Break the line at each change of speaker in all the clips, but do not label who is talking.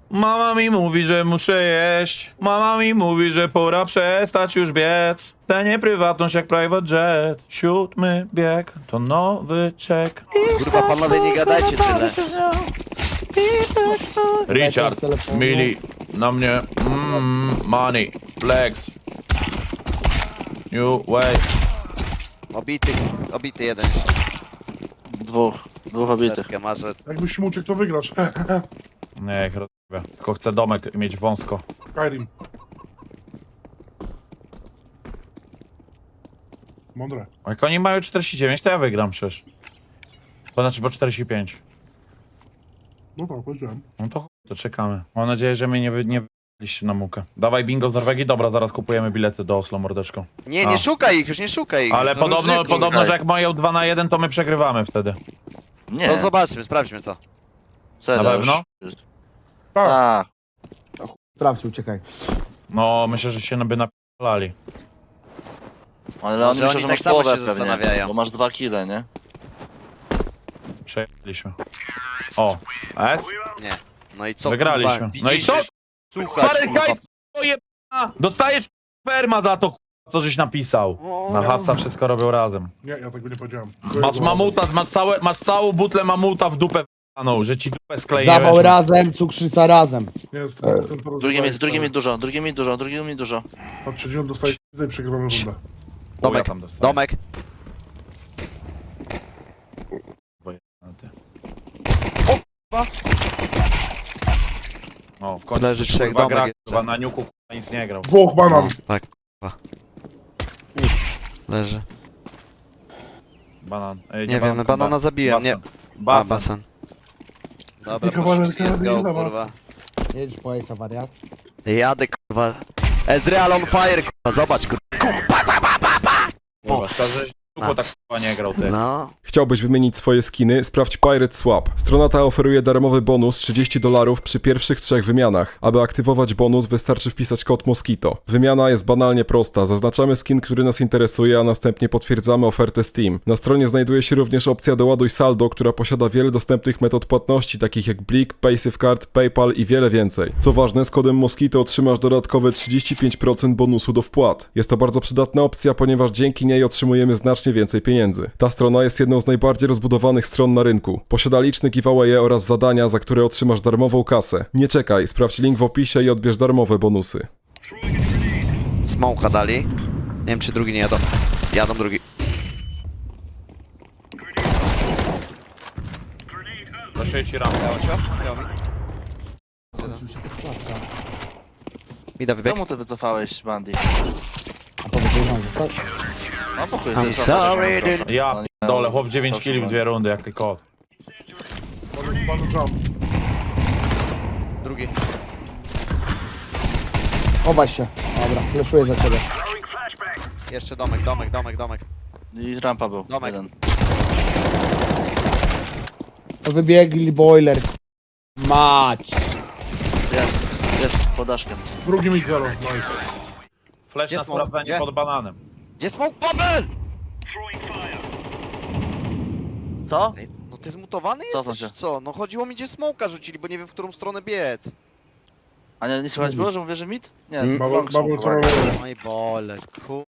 Mama mi mówi, że muszę jeść. Mama mi mówi, że pora przestać już biec. Stanie prywatność jak private jet. 7 bieg to nowy czek.
Kurwa, panowie, nie gadajcie tyle.
Richard, Mili, na mnie. Money, flex. New way.
Obity jeden jeszcze.
Dwóch obitych.
Setkę masz.
Jakbyś mu uciekł, to wygrasz.
Nie, ich rozumiem. Tylko chcę domek mieć wąsko.
Skyrim. Mądre.
A jak oni mają 49, to ja wygram przecież. To znaczy po 45.
No tak, powiedziałem.
No to chuj, to czekamy. Mam nadzieję, że mnie nie wyliście na mukę. Dawaj bingo z Norwegii, dobra, zaraz kupujemy bilety do Oslo, mordeczko.
Nie,
A.
nie szukaj ich, już nie szukaj ich.
Ale
No, różnych
podobno,
szukaj.
że jak mają 2 na 1, to my przegrywamy wtedy.
Nie,
To zobaczmy, sprawdźmy co.
serio,
Na pewno?
już.
Tak.
Tak.
Sprawdź, uciekaj.
No, myślę, że się by napalali.
Ale
Może
oni myślą,
oni
że
tak
masz
samo
połowę
się
pewnie,
zastanawiają.
bo masz 2 kile, nie?
Przejęliśmy. O, S?
Nie. No i co?
Wygraliśmy.
Kurwa,
No i
widzisz,
co?
że- Słuchać, kurwa.
Fahrenheit, ojebana! Dostajesz ferma za to, co żeś napisał. Na Hatsa wszystko robią razem.
Nie, ja tego nie powiedziałem.
Masz mamuta, masz całą butlę mamuta w dupę w***aną, że ci dupę skleiłeś.
Zawał razem, cukrzyca razem.
Nie jest
Drugie mi dużo.
Od trzeciego dostaje i przegrywamy rundę.
Domek,
tam dostaję.
domek.
O, w końcu
Leży
coś,
trzech
kurwa,
domek
gra,
jeszcze.
kurwa, na niuku kurwa, nic nie grał.
Dwóch banan.
Tak, kurwa. Leży.
Banan.
Nie wiem, no banana zabiłem, nie.
Basen.
Basen. Dobra,
Tylko
proszę,
walka,
let's go,
nie
kurwa.
Jedziesz po Ace'a, wariat.
Jadę, kurwa. Ezreal on fire, kurwa, zobacz, kurwa.
Kurwa, szkoda, że niuku tak kurwa nie grał, ty.
No.
Chciałbyś wymienić swoje skiny? Sprawdź Pirate Swap. Strona ta oferuje darmowy bonus $30 przy pierwszych 3 wymianach. Aby aktywować bonus, wystarczy wpisać kod Mosquito. Wymiana jest banalnie prosta. Zaznaczamy skin, który nas interesuje, a następnie potwierdzamy ofertę Steam. Na stronie znajduje się również opcja Doładuj saldo, która posiada wiele dostępnych metod płatności, takich jak Blik, PaySafeCard, PayPal i wiele więcej. Co ważne, z kodem Mosquito otrzymasz dodatkowe 35% bonusu do wpłat. Jest to bardzo przydatna opcja, ponieważ dzięki niej otrzymujemy znacznie więcej pieniędzy. Ta strona jest jedną z najbardziej rozbudowanych stron na rynku. Posiada liczne giveawaye oraz zadania, za które otrzymasz darmową kasę. Nie czekaj, sprawdź link w opisie i odbierz darmowe bonusy.
Smoke'a dali. Nie wiem, czy drugi nie jadą. Jadą drugi.
Zaszyję ci rampę.
Mida wybieg.
Czemu ty wycofałeś, Bandy?
A powiedziałeś, że zostać?
No pokój,
I'm sorry, dude.
Ja dole, chłop 9 killi w 2 rundy, jak ty kot.
Banan jump.
Drugi.
Chowaj się. Dobra, fleszuję za ciebie.
Jeszcze domek, domek, domek, domek.
I rampa był.
Domek.
Jeden.
To wybiegli boiler. Mać.
Jest, pod daszkiem.
Drugi mid zero. Nice.
Flash
Gdzie
na
smoke?
sprawdzenie
Gdzie?
pod bananem.
Gdzie smoke bubble?
Co?
Ej, no ty zmutowany
Cofam
jesteś,
się.
co? No chodziło mi, gdzie smoke'a rzucili, bo nie wiem, w którą stronę biec.
A nie słychać było, że mówię, że mit? Nie,
Babu,
long
babu,
smoke,
co
uwaga.
robię?
No i bole, ku...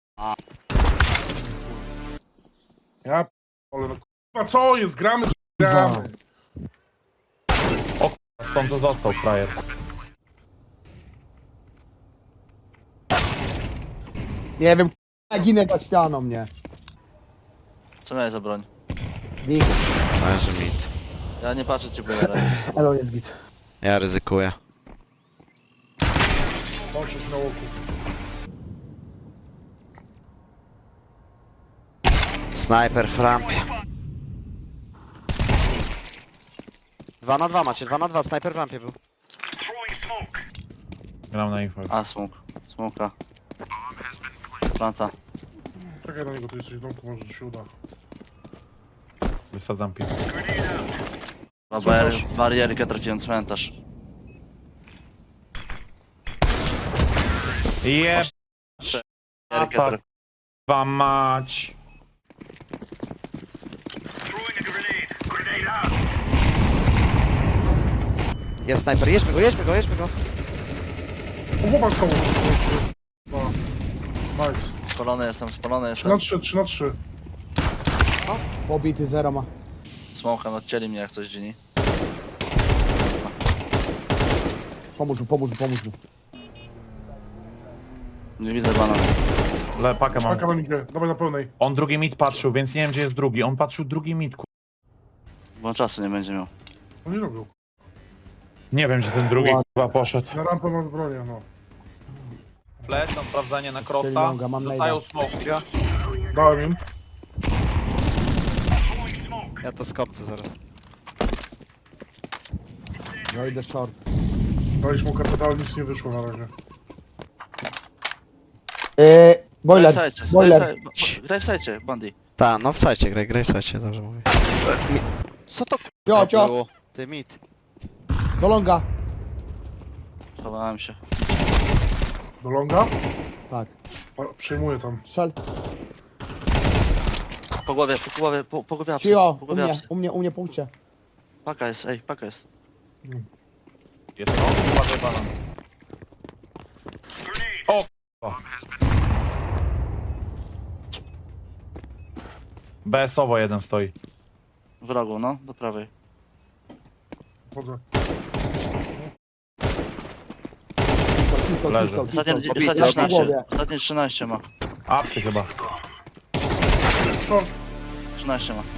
Ja ale no kurwa, co jest? Gramy, czy gramy?
Stąd to został frajer.
Nie wiem, ginę za ścianą, nie.
Co miałeś za broń?
Big.
Leży mit.
Ja nie patrzę ci, bo ja daję.
Elo jest git.
Ja ryzykuję.
Poszedł na łoku.
Snajper w rampie. 2 na 2 macie, 2 na 2, snajper w rampie był.
Gram na info.
A, smoka. Planta.
Czekaj na niego, tu jesteś w domku, może się uda.
Wysadzam piłkę.
Barierkę traciłem, cmentarz.
Jeb...
Barierkę
tak. Wam mać.
Jest snajper, jedźmy go, jedźmy go, jedźmy go.
Głowa z koło. Nice.
Spalony
3 na
jestem.
3, 3 na 3.
Pobity, zero ma.
Smoka, odcięli mnie jak coś dzini.
Pomóż mu, pomóż mu, pomóż mu.
Nie widzę bana.
Pakę mam.
Paka na midzie, dawaj na pełnej.
On drugi mid patrzył, więc nie wiem gdzie jest drugi. On patrzył drugi mid,
Bo czasu nie będzie miał.
No nie robią.
Nie wiem gdzie ten drugi chyba poszedł.
Na rampę mamy bronię, no.
Flash na sprawdzanie na
Czyli
crossa.
longa, mam
Rzucają
najda.
smoke.
Dałem im.
Ja to skopcę zaraz.
Ja idę short.
Daliśmy mu kapital, ale nic nie wyszło na razie.
Boiler, boiler.
Graj w sajcie, Bandy.
Ta, no w sajcie, graj w sajcie, dobrze mówię. Co to
Cio, cio.
było? Ty mit.
Do longa.
Schowałem się.
Do longa?
Tak.
Przejmuję tam.
Strzel.
Po głowie apsy.
Cio,
Po głowie apsy.
u mnie punkcie.
Paka jest, paka jest.
Jest on, uważaj banan. O k***a. BS-owo jeden stoi.
W rogu, no, do prawej.
Chodzę.
Pistol,
Leży.
pistol, pistol.
Ostatnie
Pobity,
13. Ostatnie 13 ma.
Apsy chyba.
Short.
13 ma.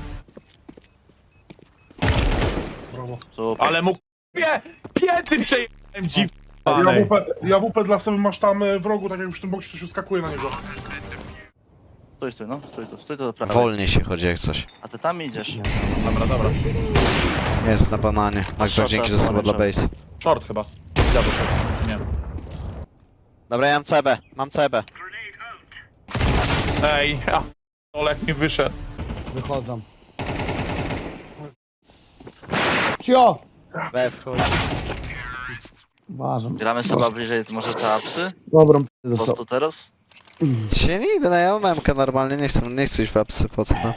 Brawo.
Super.
Ale mu pięty przejechałem dziw.
JWP dla sobie masz tam w rogu, tak jak już w tym boksie to się skakuje na niego.
Stój, no. Stój tu do prawej.
Wolniej się chodzi jak coś.
A ty tam idziesz.
Dobra.
Jest na bananie. Max,
shorta,
dzięki za słowa dla base.
Short chyba. Ja do short, czy nie?
Dobra, ja mam CB, mam CB.
Ej, Olek mi wyszedł.
Wychodzą. Cio!
B wchodzi.
Uważam.
Gramy sobie bliżej, może te apsy?
Dobrą p***ę
Po
dostał.
prostu teraz?
Się nie idę, no ja mam MK normalnie, nie chcę iść w apsy, po co no?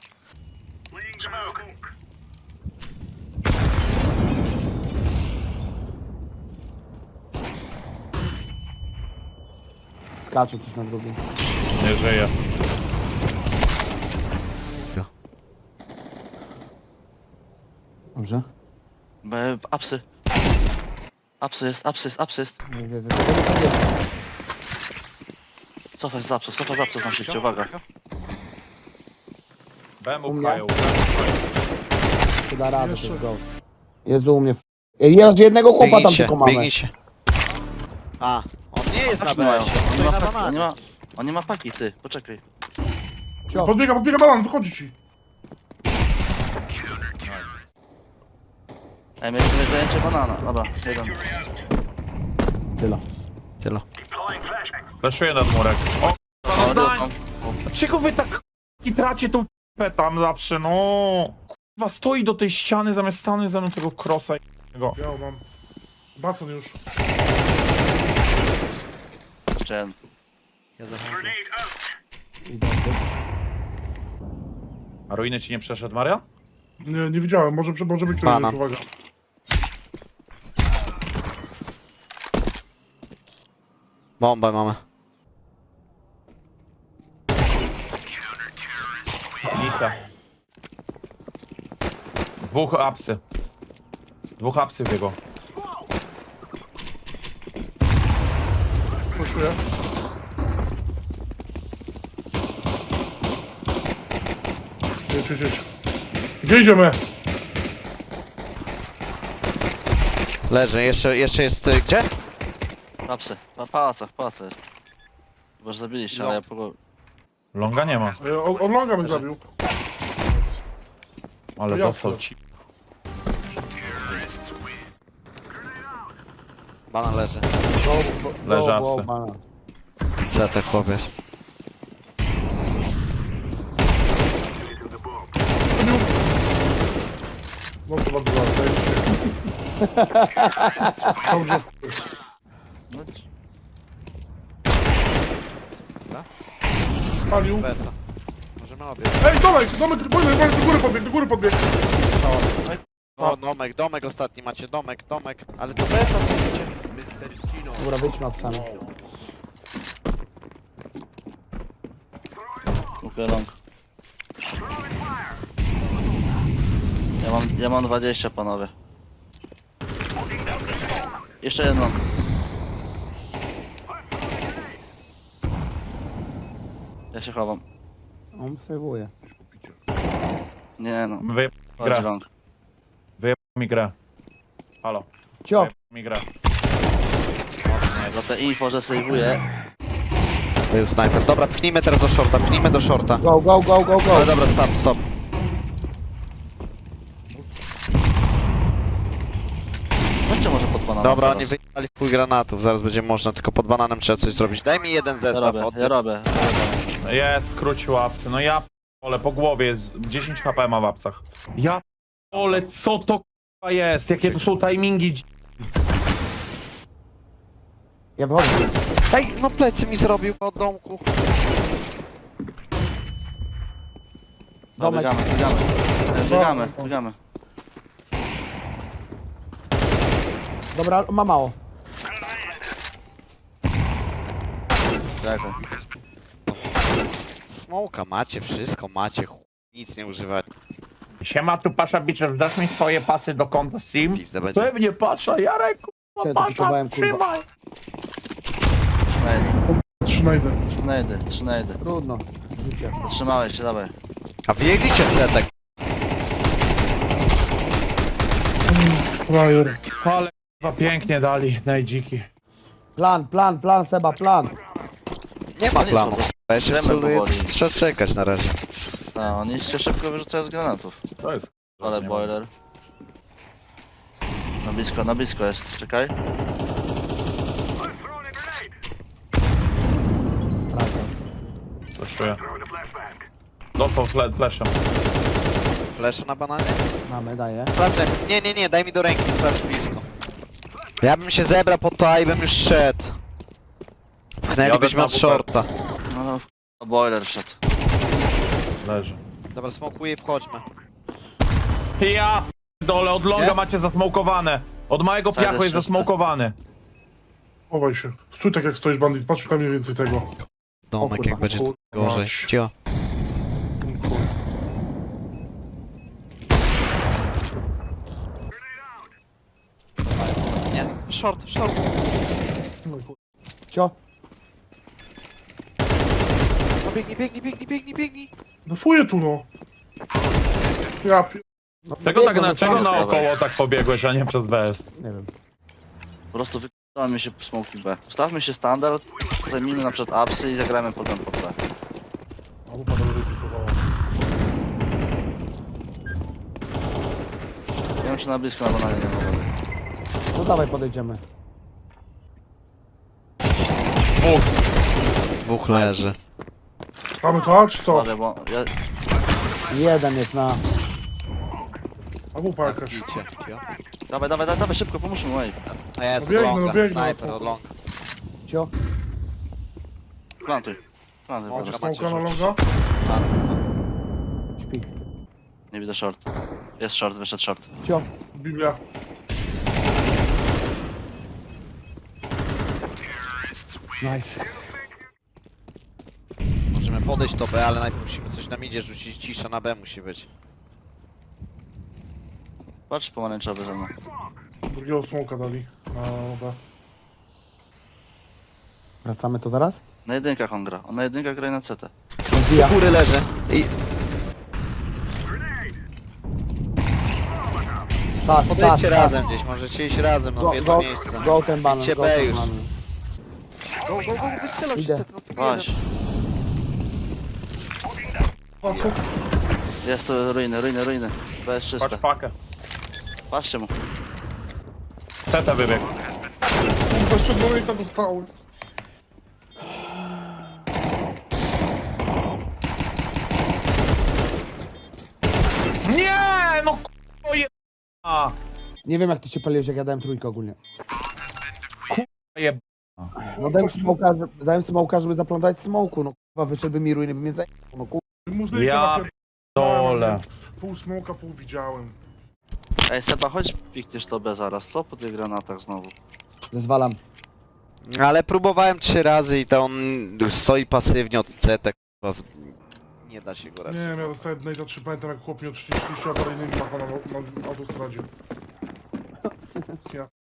Skacze coś na drugim.
Nie żyje.
Dobrze.
Apsy. Apsy jest. Cofaj z apsów na szybcie, uwaga.
BM
U mnie?
upchają.
Czy da radę, to jest go. Jezu, u mnie. Jest jednego chłopa tam tylko mamy.
biegnijcie. A, on nie jest na
Patrz, mają.
BS, on stoi na bananie.
On nie ma paki, ty, poczekaj.
Cio.
Podbiega banan, wychodzi ci.
Ej, mieliśmy zajęcie banana. Dobra, jeden.
Tyle.
Tyle.
Leszuję nad murek. O,
O,
no, dlaczego wy tak tracie tą p tam zawsze, no? Kurwa, stoi do tej ściany zamiast stanąć za mną tego crossa.
Ja mam. Bason już.
Jeszcze jeden.
Ja zachodzę.
Idą tu.
A ruiny ci nie przeszedł, Maria?
Nie widziałem, może być kolejny
Banan.
już, uwaga.
Bombę mamy.
Lica. Dwóch apsy w jego.
Proszę. Jedź. Gdzie idziemy?
Leży, jeszcze jest, gdzie?
Apsy. Pałaca jest. Bo już zabiliście, ale ja po głowie.
Longa nie ma,
On longa mnie zabił.
ale
To ja
dostał
chcę.
ci.
Banan leży.
Leży apsy.
Co to chłopiec?
No to bardzo ładnie. Dobrze.
No,
Spalił.
BS-a. Możemy obie.
Ej, domek, do góry podbieg.
O, domek ostatni macie, domek. Ale to bez asysty.
Dobra, wyjdźmy od sami.
Kupię long. Ja mam 20, panowie. Jeszcze jedno. Ja się chowam.
On sejwuje.
Nie no,
Wyjeb
chodź
gra.
long.
mi grę. Halo.
Cio,
Wyjeb mi grę.
Za te info, że sejwuję.
Był snajper. Dobra, pchnijmy teraz do shorta,
go, go, go, go, go.
Ale dobra, stop.
Chodźcie może pod bananem.
Dobra,
teraz.
oni wyjechali w chuj granatów, zaraz będzie można, tylko pod bananem trzeba coś zrobić. Daj mi jeden
Ja
zestaw
robię,
od...
ja robię.
Jest, skrócił łapsy. No ja p***ole, po głowie jest 10 HP ma w łapcach. Ja p***ole, co to k***a jest? Jakie to są timingi?
Ja wychodzę.
Ej, no plecy mi zrobił od domku.
No,
Domek.
biegamy.
Dobra, ma mało.
Czekaj.
Smoka macie, wszystko macie, chuj, nic nie używać.
Siema, tu Pasza Biczer, dasz mi swoje pasy do konta Steam?
Pizda będzie.
Pewnie Pasza, Jarek,
Co ja
kurwa,
tu kupowałem,
Pasza,
kurwa?
trzymaj.
Trzynajdy.
Trudno. Życie.
Zatrzymałeś się, dawaj.
A wyjegliście cetek.
Frajer.
Ale kurwa, pięknie dali, najdziki.
Plan, Seba, plan.
Nie ma
No nie
planu.
są,
Ja się
Gramy
celuję,
powoli.
trzeba czekać na razie.
A, oni się szybko wyrzucają z granatów.
To jest
Ale
nie
boiler. Na blisko jest, czekaj.
Flashuję. Dostał flashem.
Flesze na bananie?
Mamy, daję.
Sprawdzę. Nie, daj mi do ręki, sprawdź blisko. Ja bym się zebrał po to i bym już szedł. Pchnęlibyśmy
na
od
WP.
shorta.
No, boiler wszedł.
Leży.
Dobra, smokuję i wchodźmy.
Ja dole, od longa
Nie?
macie zasmokowane. Od małego
Cały
piachu jest
czyste.
zasmokowany.
Chowaj się. Stój tak jak stoisz, bandit. Patrz tam mniej więcej tego.
Domek,
kurwa,
jak będzie
kurwa,
gorzej.
mać.
Cio. Nie, short.
Cio.
No biegnij.
Defuję tu, no. Ja pi...
Czego tak
Biegną,
czego
wypadek.
naokoło tak pobiegłeś, a nie przez BS?
Nie wiem.
Po prostu wykonamy mi się smoki B. Ustawmy się standard, zajmijmy na przykład upsy i zagrajmy potem pod B.
A wupa dobrze pikowała.
Nie wiem czy na blisko na bananie nie mogę.
No dawaj, podejdziemy.
Dwóch leży.
Mamy to, czy co?
Uważaj, bo ja...
Jeden jest na...
A wupa jakaś.
Bicie. Cio.
Dawaj, szybko, pomóżmy mu, ej.
A ja jestem
biegnę,
od longa.
biegnę.
Snajper od longa.
Cio.
Plantuj.
Macie
Plantuj.
macie
smoka na
rzucić.
longa?
Śpi.
Nie widzę short. Jest short, wyszedł short.
Cio.
Biblia.
Nice.
Możemy podejść do B, ale najpierw musimy coś na midzie rzucić. Cisza na B musi być.
Patrz pomarańczowy ze mną.
Drugiego smoka dali. Na B.
Wracamy to zaraz?
Na jedynkach on gra. On na jedynkach gra i na CT.
Wbija.
Góry leży. I
Czas.
podejdźcie razem gdzieś, możecie iść razem, no w jedno miejsce.
Go ten banan,
Idźcie
go
B
ten
już.
banan.
Go, wystrzelał się
Idę.
set, no
Weź.
A co?
Jest to ruiny. B jest czyste.
Patrz pakę.
Patrzcie mu.
Teta wybiegł.
Kurwa, jeszcze donata dostały.
Nie, no k***o je...
Nie wiem jak ty się paliłeś, jak ja dałem trójkę ogólnie.
je...
No dałem smoka, żeby zaplątać smoku. No kurwa, wyszedłby mi ruiny, by mnie zajęło. No kurwa.
Muzykę
Ja
napierdolałem,
dole.
Pół smoka, pół widziałem.
Ej, Seba, chodź pikniesz to B zaraz, co? Po tych granatach znowu.
Zezwalam.
Ale próbowałem 3 razy i to on stoi pasywnie od CT, kurwa. Nie da się go
Nie
raczej.
wiem, ja dostałem jednej za 3, pamiętam jak chłop mi o 30 awaryjnymi machał na autostradzie. Ja...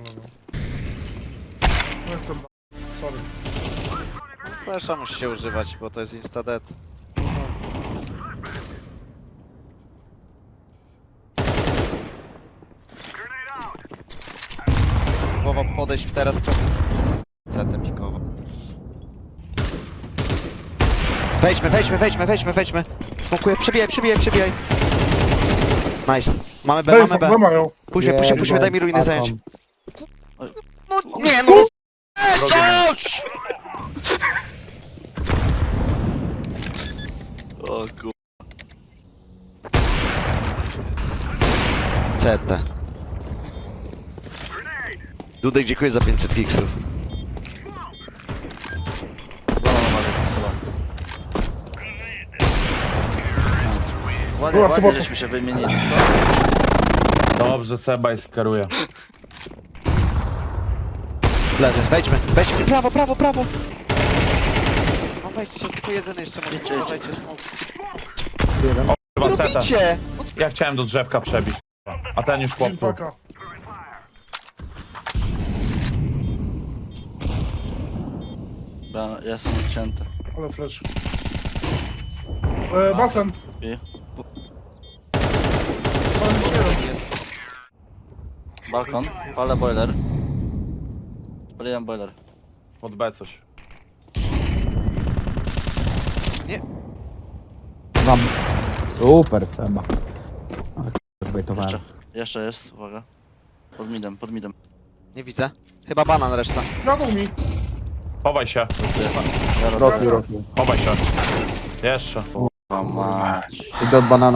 No jestem... Sorry.
Flasha musi się używać, bo to jest insta-dead. Spróbował podejść teraz po... CT pikowo. Wejdźmy. Smokuję, przebijaj. Nice. Mamy B, mamy B.
B mają.
Puśćmy, daj mi ruiny
Taką.
zająć. No nie, no! Coś!
O kur...
CT. Dudek, dziękuję za 500 kiksów.
Ładnie,
Była
ładnie
sobota.
żeśmy się wymienili, co?
Dobrze, Sebaj skaruje.
Leży, wejdźmy. Prawo. No wejdźcie się, tylko jeden jeszcze może. Uważajcie, smoke.
Jeden.
Chyba CT.
Robicie!
Ja chciałem do drzewka przebić. A ten już chłop tu.
Paka.
Ja jestem odcięty.
Ale flash. Basen.
I?
Jest.
Balkon, palę boiler. Paliłem boiler.
Pod B coś.
Mam. Super, Seba. Ale zbejtowałem.
Jeszcze jest, uwaga. Pod midem.
Nie widzę. Chyba banan reszta.
Zgadł mi.
Chowaj się.
Ja robię.
Roki.
Chowaj się. Jeszcze.
O mać.
Idę od banana.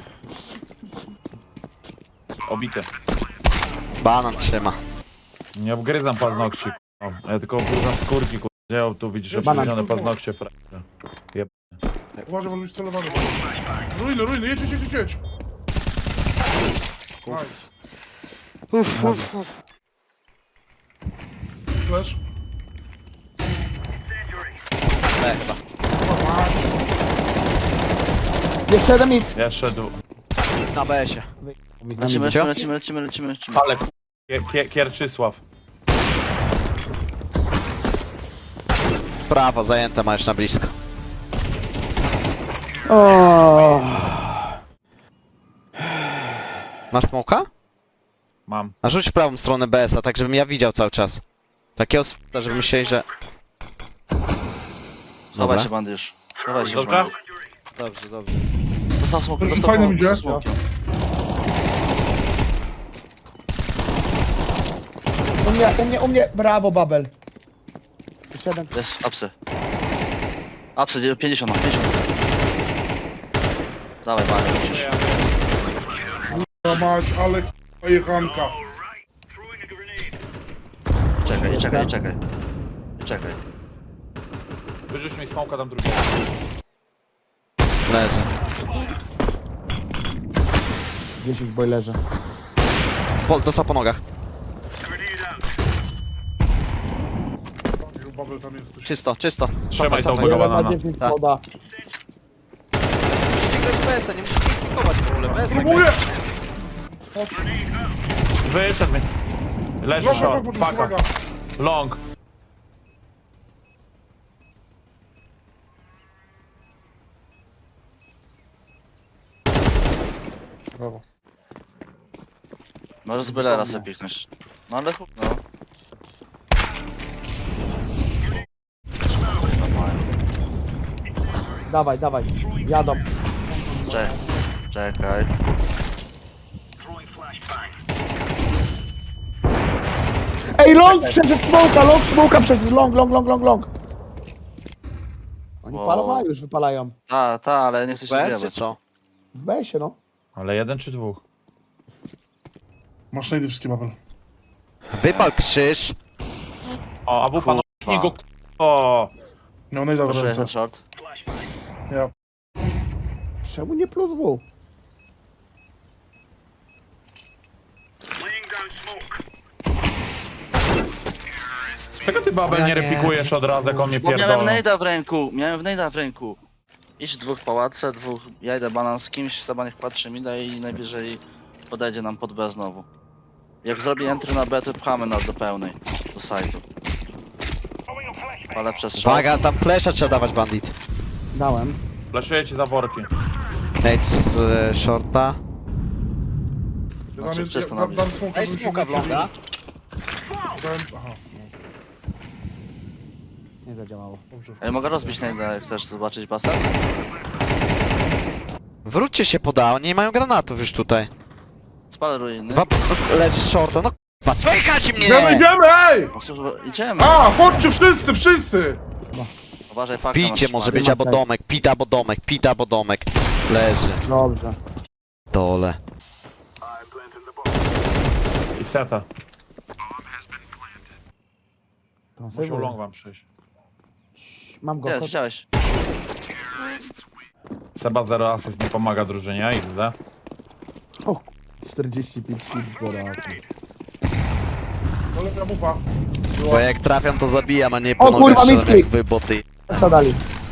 Obity.
Banan trzyma.
Nie obgryzam paznokci. k***a. Ja tylko obgryzam skórki. Gdzie tu widzisz
Banan.
obgryzione paznokcie. frajerze.
Uważaj, bo być celowany. Ruiny, jedź. Nice.
Uff.
Flash.
B chyba.
Jeszcze jeden mi.
Jeszcze dół.
Na BS-ie.
Lecimy.
Ale Kierczysław.
Prawo, zajęte ma już na blisko.
O.
Na smoka?
Mam.
A rzuć w prawą stronę BS-a, tak żebym ja widział cały czas. Takiego sp***a, żeby myśleli, że...
Chowaj się, bandyż. Chowaj się,
Dobrze?
bandyż.
Dobrze.
Dostał smoke,
Dobrze, fajnie idzie.
U mnie. Brawo, Babel. Jeszcze jeden.
Jest, apsy. Apsy, 50 na 50. Dawaj, Marek, musisz.
Mać, ale jechanka.
Czekaj.
Wyrzuć mi smoka tam drugiego.
Leży.
10 w boilerze.
Dostał po nogach.
Babel tam jesteś.
Czysto.
Trzymaj tą
Cofaj.
banana.
Na 10
Tak.
poda.
Nie grać BS-a, nie musisz klikować w ogóle. BS-a
Próbuję!
Wyszedł mi. Leży short. Paka. Long.
Brawo.
Może z bylera sobie piknąć. No ale chup, no.
Dawaj. Jadą.
Czekaj.
Ej, long przeszedł smoka przeszedł. Long. Oni
Wow.
palą, a już wypalają.
Ta, ale nie chcę się
BS czy
wjebać.
co?
W besie, no.
Ale jeden czy dwóch?
Masz najdy wszystkie, Babel.
Wypal krzyż.
O, a wupa, no kliknij go. O.
No, najda w
Proszę,
ręce.
jeden short.
Ja.
Czemu nie plus W?
Czego ty, Babel,
Ja
nie
nie.
repikujesz od razu, jak on mnie
Bo miałem
pierdolą?
nejda w ręku, Idź dwóch pałace, dwóch, ja idę banan z kimś, Seba niech patrzy mi da i najwyżej podejdzie nam pod B znowu. Jak zrobi entry na B, to pchamy nas do pełnej, do sajtu. Ale przez short.
Uwaga, tam flesza trzeba dawać, bandit.
Dałem.
Flaszuję ci za worki.
Nate z shorta.
Ja
Znaczy,
dam-
czysto
ja
na
dam
blisko.
smoka,
Ej,
żeby się
smoka w
nie przebili.
longa.
Aha,
Nie zadziałało.
dobrze.
Ej, mogę rozbić nejda, jak chcesz zobaczyć basen?
Wróćcie się poda, oni nie mają granatów już tutaj.
Spalę ruiny.
Dwa lecz z shorta, no k***a, słychać
Idziemy,
mnie!
idziemy, ej!
No, słuchaj, idziemy.
A, chodźcie wszyscy, wszyscy!
Uważaj, fakta
Picie
nas
może
spali.
być albo domek, pita albo domek, pita albo domek. Leży.
Dobrze.
Dole.
I ceta.
To
Musiał
sobie
long wam przyjść.
Mam go.
Jest, widziałeś.
Seba 0 asyst nie pomaga drużynie, idę.
O, 45 hit, 0 asyst.
Kolega mufa.
Bo jak trafiam to zabijam, a nie
O,
po nogach
kurwa,
strzelam
misklik.
jak wy boty.
Co dali?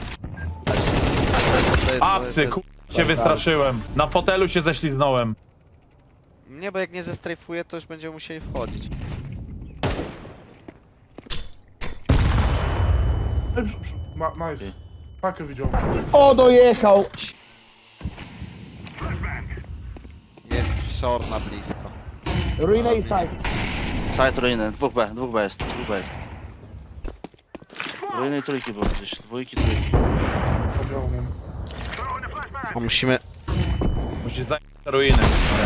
Apsy, się wystraszyłem. Na fotelu się ześliznąłem.
Nie, bo jak nie zestrajfuję, to już będziemy musieli wchodzić.
Ej, nice. Pakę widział.
O, dojechał!
Jest short na blisko.
Ruina i side.
Side ruiny, dwóch B jest, dwóch B jest. Ruiny i trójki było gdzieś, dwójki, trójki.
Podział mam.
O, musimy...
Musisz zająć te ruiny.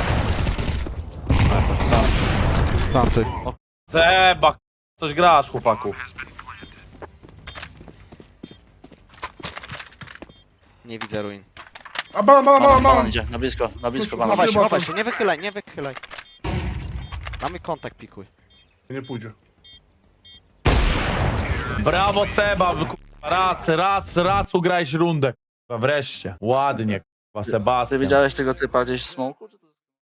Tamty.
Seba, coś grasz, chłopaku.
Nie widzę ruin.
A banan.
Banan idzie, na blisko banan.
Chowaj się,
Chyba
chowaj
to-
się, nie wychylaj. Mamy kontakt, pikuj.
Nie pójdzie.
Brawo, Seba, raz ugrałeś rundę. Kurwa, wreszcie. Ładnie, kurwa,
Ty
Sebastian.
widziałeś tego typa gdzieś w smoku?